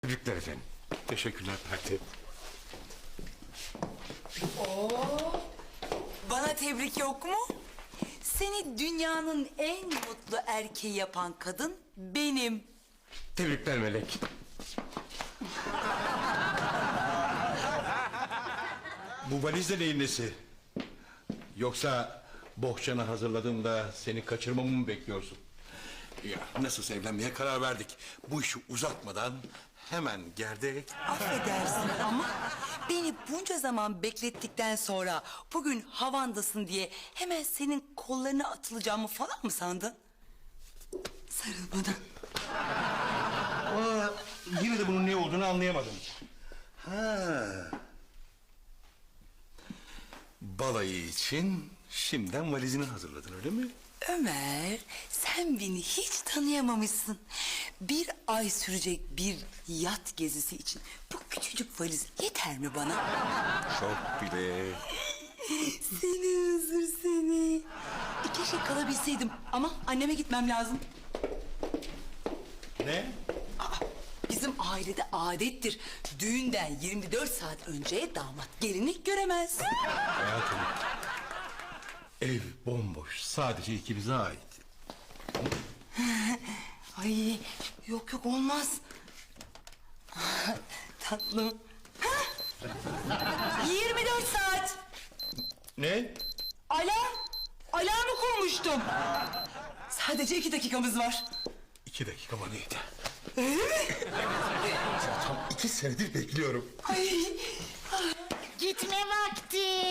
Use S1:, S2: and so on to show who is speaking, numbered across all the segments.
S1: Tebrikler efendim.
S2: Teşekkürler Pertev.
S3: Bana tebrik yok mu? Seni dünyanın en mutlu erkeği yapan kadın benim.
S1: Tebrikler Melek.
S2: Bu valizde neyin nesi? Yoksa bohçanı hazırladığımda seni kaçırmamı mı bekliyorsun? Ya nasılsa evlenmeye karar verdik. Bu işi uzatmadan hemen gerdek.
S3: Affedersin ama beni bunca zaman beklettikten sonra bugün havandasın diye hemen senin kollarına atılacağımı falan mı sandın? Sarıl bana.
S2: Yine de bunun ne olduğunu anlayamadım. Ha. Balayı için şimdiden valizini hazırladın öyle mi?
S3: Ömer, sen beni hiç tanıyamamışsın. Bir ay sürecek bir yat gezisi için bu küçücük valiz yeter mi bana?
S2: Çok bile.
S3: Seni hızır seni. Keşke kalabilseydim ama anneme gitmem lazım.
S2: Ne?
S3: Bizim ailede adettir. Düğünden 24 saat önce damat gelini göremez.
S2: Hayatım. Ev bomboş. Sadece ikimize ait.
S3: Ay yok yok olmaz. Tatlım. Hah! 24 saat.
S2: Ne?
S3: Alarmı kurmuştum. Sadece 2 dakikamız var.
S2: 2 dakika bana yeter. Tam 2 senedir bekliyorum.
S3: Ay,
S4: Gitme vakti.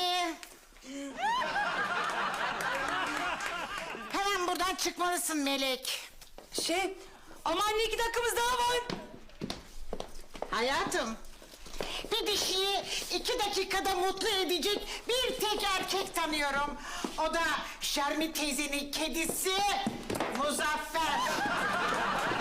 S4: Hemen buradan çıkmalısın Melek.
S3: ama anne 2 dakikamız daha var.
S4: Hayatım, bir dişiyi 2 dakikada mutlu edecek bir tek erkek tanıyorum. O da Şermi teyzenin kedisi Muzaffer.